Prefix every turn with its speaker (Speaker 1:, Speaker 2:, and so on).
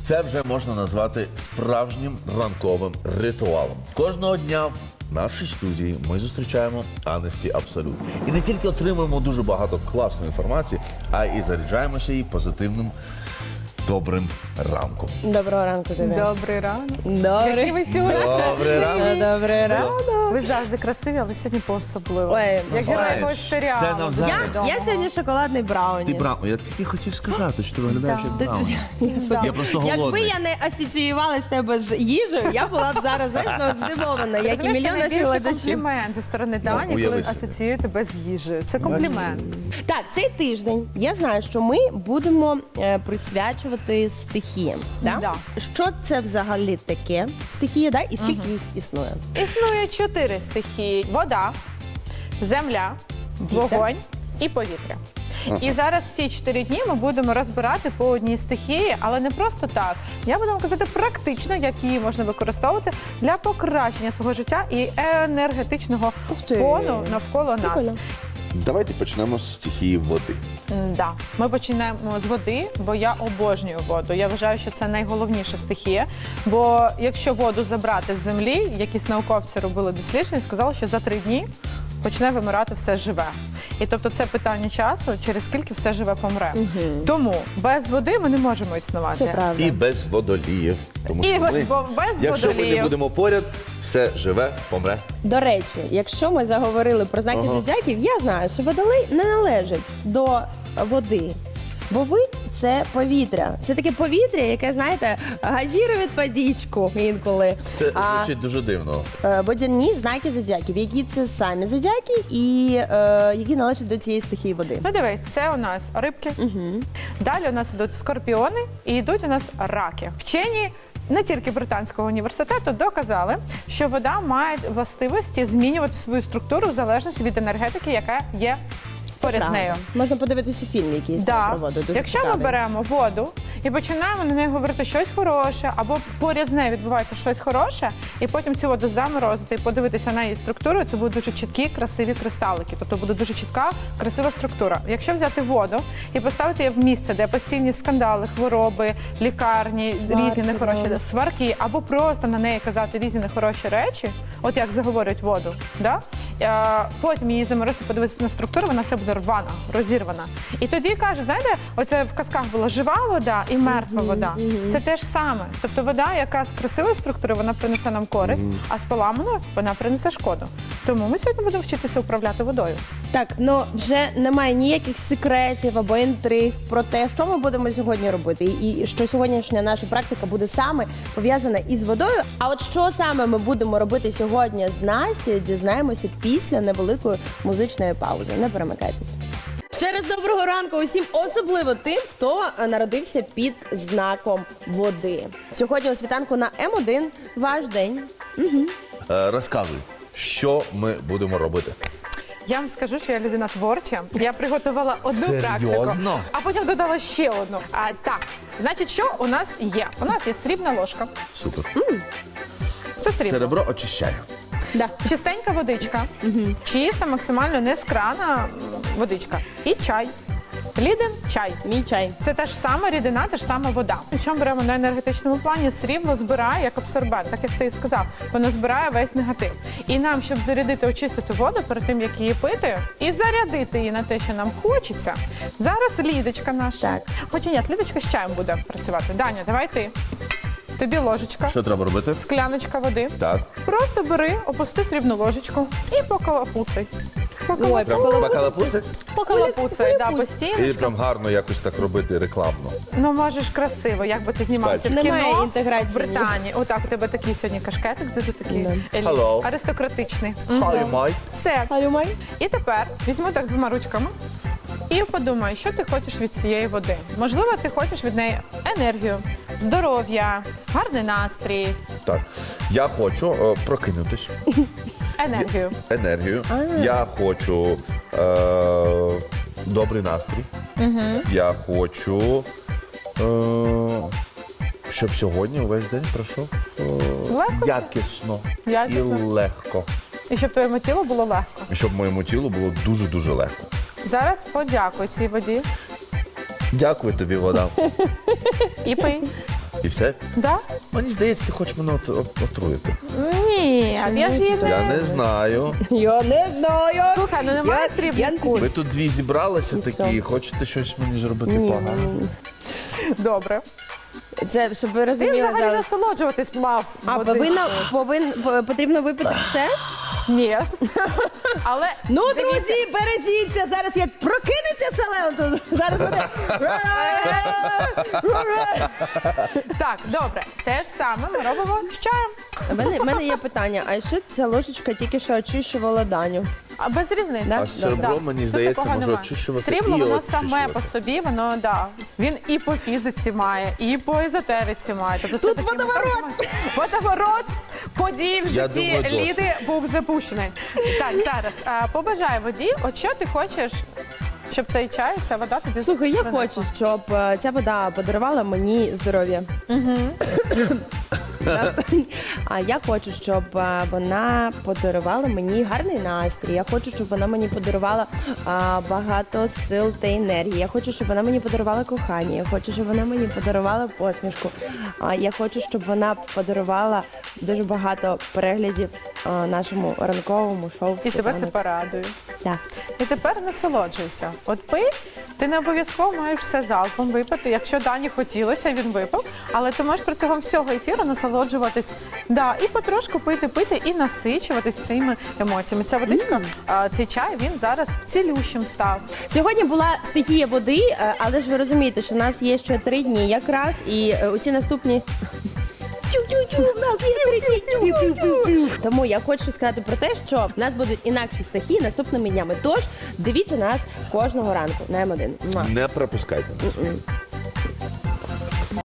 Speaker 1: Це вже можна назвати справжнім ранковим ритуалом. Кожного дня в нашій студії ми зустрічаємо Анесті Абсолют. І не тільки отримуємо дуже багато класної інформації, а і заряджаємося її позитивним, добрим ранком.
Speaker 2: Доброго ранку тобі.
Speaker 3: Добрий ранок.
Speaker 2: Добрий.
Speaker 3: Який ви сьогодні?
Speaker 1: Добрий ранок.
Speaker 2: Добрий ранок.
Speaker 3: Ви завжди красиві, але сьогодні по-особливо.
Speaker 2: Ой,
Speaker 3: Як герой
Speaker 1: знаєш,
Speaker 3: якогось серіалу.
Speaker 1: це навзаєм.
Speaker 2: Я сьогодні шоколадний брауні.
Speaker 1: Ти брауні. Я тільки хотів сказати, що ти виглядаєш як брауні. Я просто
Speaker 2: Якби
Speaker 1: голодний.
Speaker 2: я не асоціювала з тебе з їжею, я була б зараз, знаєш, здивована, як і
Speaker 3: Розумієш, це
Speaker 2: мільйон наших
Speaker 3: найбільший
Speaker 2: глядачів.
Speaker 3: комплімент зі сторони Дані,
Speaker 1: уяви
Speaker 3: коли
Speaker 1: собі.
Speaker 3: асоціює тебе з їжею. Це комплімент.
Speaker 2: Так, цей тиждень я знаю, що ми будемо присвячувати стихіям. Да?
Speaker 3: Да.
Speaker 2: Що це взагалі таке стихія, да? І скільки їх існує?
Speaker 3: Існує 4 стихії: вода, земля, вогонь і повітря. І зараз ці 4 дні ми будемо розбирати по одній стихії, але не просто так. Я буду вам казати практично, як її можна використовувати для покращення свого життя і енергетичного
Speaker 2: ти.
Speaker 3: фону навколо нас.
Speaker 2: Прикольно.
Speaker 1: Давайте почнемо з стихії води.
Speaker 3: Да. Ми починаємо з води, бо я обожнюю воду. Я вважаю, що це найголовніша стихія. Бо якщо воду забрати з землі, якісь науковці робили дослідження, сказали, що за 3 дні почне вимирати все живе. І тобто це питання часу, через скільки все живе помре. Тому без води ми не можемо існувати.
Speaker 2: Це правда.
Speaker 1: І без водоліїв. Тому
Speaker 3: І
Speaker 1: що ми,
Speaker 3: без
Speaker 1: якщо ми не
Speaker 3: водоліїв.
Speaker 1: будемо поряд, все живе, помре.
Speaker 2: До речі, якщо ми заговорили про знаки зодіаків, я знаю, що водолей не належить до води. Бо ви – це повітря. Це таке повітря, яке, знаєте, газірує водичку інколи.
Speaker 1: Це звучить дуже дивно.
Speaker 2: Водяні знаки зодіаків, які це самі зодіаки і які належать до цієї стихії води.
Speaker 3: Ну дивись, це у нас рибки. Далі у нас йдуть скорпіони і йдуть у нас раки. Вчені не тільки британського університету доказали, що вода має властивості змінювати свою структуру в залежності від енергетики, яка є поряд з нею.
Speaker 2: Можна подивитися фільм, який
Speaker 3: Да.
Speaker 2: про воду. Дуже
Speaker 3: Якщо ми
Speaker 2: цікавий.
Speaker 3: беремо воду і починаємо на неї говорити щось хороше, або поряд з нею відбувається щось хороше, і потім цю воду заморозити і подивитися на її структуру, це будуть дуже чіткі, красиві кристалики. Тобто буде дуже чітка, красива структура. Якщо взяти воду і поставити її в місце, де постійні скандали, хвороби, лікарні,
Speaker 2: Сварки,
Speaker 3: різні нехороші
Speaker 2: да.
Speaker 3: сварки, або просто на неї казати різні нехороші речі, от як заговорюють воду, да? Потім її заморозити, подивитися на структуру, вона все буде рвана, розірвана. І тоді кажуть, знаєте, оце в казках була жива вода і мертва вода. Це те ж саме. Тобто вода, яка з красивої структури, вона принесе нам користь, а з поламаною вона принесе шкоду. Тому ми сьогодні будемо вчитися управляти водою.
Speaker 2: Так, ну вже немає ніяких секретів або інтриг про те, що ми будемо сьогодні робити, і що сьогоднішня наша практика буде саме пов'язана із водою. А от що саме ми будемо робити сьогодні з Настею, дізнаємося після невеликої музичної паузи. Не перемикайтесь. Ще раз доброго ранку усім, особливо тим, хто народився під знаком води. Сьогодні у світанку на М1 ваш день.
Speaker 1: Розказуй, що ми будемо робити.
Speaker 3: Я вам скажу, що я людина творча. Я приготувала одну
Speaker 1: Серйозно?
Speaker 3: практику, а потім додала ще одну. Так, значить, що у нас є? У нас є срібна ложка.
Speaker 1: Супер.
Speaker 3: Це срібло.
Speaker 1: Серебро очищає.
Speaker 2: Да.
Speaker 3: Чистенька водичка, чиста, максимально не з крана водичка. І чай. Ліден чай.
Speaker 2: Мій чай.
Speaker 3: Це та ж сама рідина, та ж сама вода. Якщо ми беремо на енергетичному плані, срібло збирає як абсорбент, так як ти і сказав, воно збирає весь негатив. І нам, щоб зарядити, очистити воду перед тим, як її пити, і зарядити її на те, що нам хочеться, зараз Лідочка наша.
Speaker 2: Так.
Speaker 3: Хоча ні, Лідочка з чаєм буде працювати. Даня, давай ти. Тобі ложечка,
Speaker 1: Що треба робити?
Speaker 3: скляночка води.
Speaker 1: Так.
Speaker 3: Просто бери, опусти срібну ложечку і покалапуцай.
Speaker 2: Ой,
Speaker 1: Прям бакалапусить?
Speaker 3: Покалапуцай, да,
Speaker 1: І
Speaker 3: постійно.
Speaker 1: прям гарно якось так робити рекламно.
Speaker 3: Ну, можеш красиво, як би ти знімався в
Speaker 1: Спасибо.
Speaker 3: кіно,
Speaker 2: Немає інтеграції.
Speaker 3: в Британії. Отак, у тебе такий сьогодні кашкетик, дуже такий
Speaker 1: Hello.
Speaker 3: аристократичний.
Speaker 1: Hi, Mike.
Speaker 3: Все.
Speaker 2: Алюмай.
Speaker 3: І тепер візьму так 2 ручками і подумай, що ти хочеш від цієї води. Можливо, ти хочеш від неї енергію, здоров'я, гарний настрій,
Speaker 1: Так. Я хочу прокинутись.
Speaker 3: енергію.
Speaker 1: Я хочу добрий настрій. Я хочу, щоб сьогодні увесь день пройшов
Speaker 3: Легко?
Speaker 1: якісно і
Speaker 3: Якісно.
Speaker 1: легко.
Speaker 3: І щоб твоєму тілу було легко.
Speaker 1: І щоб моєму тілу було дуже-дуже легко.
Speaker 3: Зараз подякуй цій воді
Speaker 1: Дякую тобі, вода.
Speaker 3: і пий.
Speaker 1: І все?
Speaker 3: Да?
Speaker 1: Мені здається, ти хочеш мене отруїти.
Speaker 3: Ні, я ж її
Speaker 1: Я
Speaker 3: не...
Speaker 1: не знаю.
Speaker 2: Я не знаю.
Speaker 3: Слухай, ну немає срібних куль.
Speaker 1: Ви тут дві зібралися
Speaker 2: І
Speaker 1: такі, і
Speaker 2: що?
Speaker 1: хочете щось мені зробити
Speaker 2: Ні,
Speaker 1: погано.
Speaker 2: ні.
Speaker 3: Добре.
Speaker 2: Це, щоб ви
Speaker 3: Ти
Speaker 2: розуміли
Speaker 3: взагалі
Speaker 2: зараз.
Speaker 3: насолоджуватись мав.
Speaker 2: А, потрібно випити все?
Speaker 3: Ні. Але
Speaker 2: Ну,
Speaker 3: дивіться,
Speaker 2: друзі, бережіться. Зараз як прокинеться селен, то зараз буде.
Speaker 3: так, добре. Те ж саме ми робимо з чаєм.
Speaker 2: У мене є питання, а що ця ложечка тільки що очищувала Даню?
Speaker 3: А без різниці.
Speaker 2: Да?
Speaker 1: А серебро, мені
Speaker 3: Тут
Speaker 1: здається,
Speaker 3: такого
Speaker 1: може
Speaker 3: нема.
Speaker 1: очищувати
Speaker 3: Срібло,
Speaker 1: і
Speaker 3: воно саме
Speaker 1: очищувати.
Speaker 3: по собі, воно, да. Він і по фізиці має, і по езотериці має. Тобто це
Speaker 2: Тут
Speaker 3: такий
Speaker 2: водоворот!
Speaker 3: Водоворот подій в
Speaker 1: Я
Speaker 3: житті
Speaker 1: думаю, досить.
Speaker 3: Ліди був запущений. Так, зараз, побажай воді, от що ти хочеш, щоб цей чай, ця вода тобі
Speaker 2: Слухай, я
Speaker 3: принесла?
Speaker 2: хочу, щоб ця вода подарувала мені здоров'я. А я хочу, щоб вона подарувала мені гарний настрій. Я хочу, щоб вона мені подарувала багато сил та енергії. Я хочу, щоб вона мені подарувала кохання. Я хочу, щоб вона мені подарувала посмішку. Я хочу, щоб вона подарувала дуже багато переглядів нашому ранковому шоу.
Speaker 3: І тебе це
Speaker 2: «Світанок».
Speaker 3: порадує.
Speaker 2: Так.
Speaker 3: І тепер насолоджуйся. От пий, ти не обов'язково маєш все залпом випити. Якщо Дані хотілося, він випив. Але ти можеш протягом всього ефіру насолоджуватись. Да, і потрошку пити і насичуватись цими емоціями. Ця водичка, цей чай, він зараз цілющим став.
Speaker 2: Сьогодні була стихія води, але ж ви розумієте, що в нас є ще 3 дні якраз, і усі наступні. В нас є 3 дні. Тому я хочу сказати про те, що в нас будуть інакші стихії наступними днями. Тож дивіться нас кожного ранку на М1. Муа.
Speaker 1: Не пропускайте нас.